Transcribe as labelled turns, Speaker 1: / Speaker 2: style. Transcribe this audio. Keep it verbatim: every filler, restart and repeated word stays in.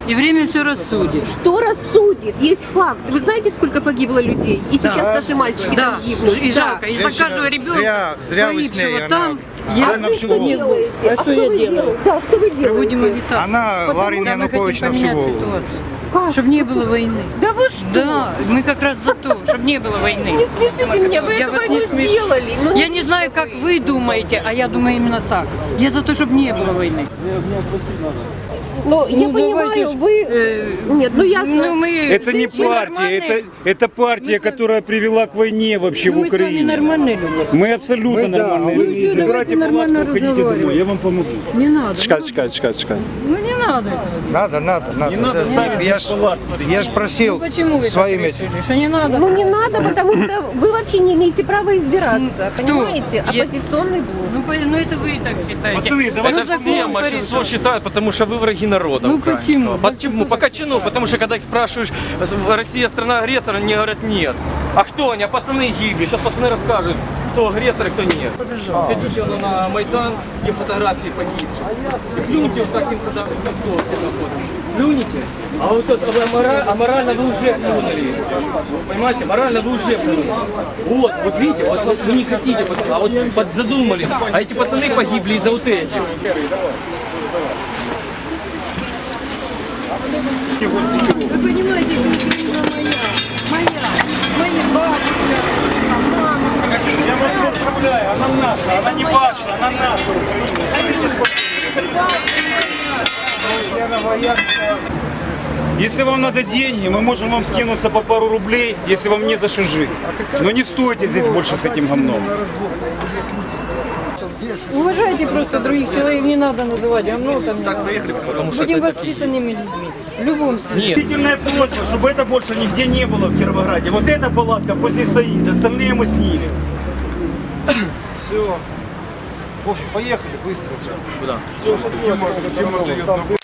Speaker 1: И время все рассудит.
Speaker 2: Что рассудит? Есть факт. Вы знаете, сколько погибло людей? И сейчас
Speaker 1: Да.
Speaker 2: наши мальчики
Speaker 1: Да,
Speaker 2: там гибнут.
Speaker 1: и
Speaker 2: Да.
Speaker 1: жалко. И за каждого ребенка,
Speaker 3: зря, зря вы с ней,
Speaker 1: погибшего
Speaker 3: она-
Speaker 1: там,
Speaker 2: А
Speaker 1: я
Speaker 2: вы что делаете?
Speaker 1: А что я
Speaker 2: вы
Speaker 1: делаю?
Speaker 2: делаете? Да, что вы
Speaker 1: Проводим
Speaker 2: делаете?
Speaker 1: агитацию.
Speaker 3: Она, Ларин
Speaker 1: Да, мы хотим
Speaker 3: Янукович, на всю
Speaker 1: поменять
Speaker 3: голову.
Speaker 1: ситуацию.
Speaker 2: Как?
Speaker 1: Чтобы не было войны.
Speaker 2: Да вы что?
Speaker 1: Да, мы как раз за то, чтобы не было войны.
Speaker 2: Не смешите меня, вы
Speaker 1: Я
Speaker 2: этого
Speaker 1: вас
Speaker 2: не
Speaker 1: не смешу.
Speaker 2: сделали. Ну,
Speaker 1: Я не знаю, как вы думаете, а я думаю именно так. Я за то, чтобы не было войны.
Speaker 2: Но я
Speaker 1: Ну,
Speaker 2: понимаю,
Speaker 1: давайте ж,
Speaker 2: вы...
Speaker 1: э,
Speaker 2: Нет, ну ясно.
Speaker 1: Ну, мы,
Speaker 4: Это не
Speaker 1: мы
Speaker 4: партия,
Speaker 1: нормальные
Speaker 4: это,
Speaker 1: люди.
Speaker 4: это партия,
Speaker 1: Мы с-
Speaker 4: которая привела к войне вообще
Speaker 1: Ну,
Speaker 4: в
Speaker 1: мы с вами
Speaker 4: Украине.
Speaker 1: нормальные люди.
Speaker 4: Мы абсолютно
Speaker 3: Мы, да,
Speaker 4: нормальные
Speaker 3: вы
Speaker 4: люди.
Speaker 1: все, давайте
Speaker 4: Собирайте
Speaker 1: нормально
Speaker 4: палатку, уходите
Speaker 1: разговаривать.
Speaker 4: домой, я вам помогу.
Speaker 1: Не надо.
Speaker 3: Чекай, чекай, чекай, чекай.
Speaker 1: Ну не надо.
Speaker 3: Надо, надо, надо.
Speaker 4: Не надо ставить
Speaker 3: Я ж,
Speaker 4: палатку.
Speaker 3: я ж просил
Speaker 1: Ну, почему вы
Speaker 3: своими...
Speaker 1: так решили, что не надо?
Speaker 2: Ну не надо, потому что вы вообще не имеете права избираться.
Speaker 1: Кто?
Speaker 2: Понимаете?
Speaker 1: Я-
Speaker 2: Оппозиционный блок.
Speaker 1: Ну, по- ну это вы и так считаете.
Speaker 4: Пацаны, давайте
Speaker 1: Ну,
Speaker 5: Это
Speaker 1: закон
Speaker 5: все большинство
Speaker 1: порешал.
Speaker 5: считают, потому что вы враги народа
Speaker 1: Ну,
Speaker 5: украинского.
Speaker 1: почему?
Speaker 5: Почему? По качану, потому что когда их спрашиваешь, Россия страна-агрессор, они говорят нет. А кто они? А пацаны гибли. Сейчас пацаны расскажут, кто агрессор и кто нет. Сходите вон на Майдан, где фотографии погибших. И плюньте вот таким, когда в лицо все находят. Плюните. А вот это вы амора- аморально вы уже плюнули. Понимаете, морально вы уже плюнули. Вот, вот видите, вот, вот вы не хотите, вот, а вот под- задумались. А эти пацаны погибли из-за вот этих.
Speaker 1: Вы понимаете, что Украина моя, моя, моя бабушка, мама.
Speaker 4: Я вас поздравляю, она наша, она не ваша, она наша. Если вам надо деньги, мы можем вам скинуться по пару рублей, если вам не за что жить. Но не стойте здесь больше с этим говном.
Speaker 1: Уважайте просто других человек, не надо называть говно там.
Speaker 5: Так приехали, потому что
Speaker 1: Будем
Speaker 5: это такие.
Speaker 1: воспитанными людьми. В любом случае.
Speaker 5: Нет.
Speaker 4: Действительная просьба, чтобы это больше нигде не было в Кировограде. Вот эта палатка пусть не стоит, остальные мы снимем.
Speaker 3: Все. В общем, поехали быстро.
Speaker 5: Куда?
Speaker 3: Все,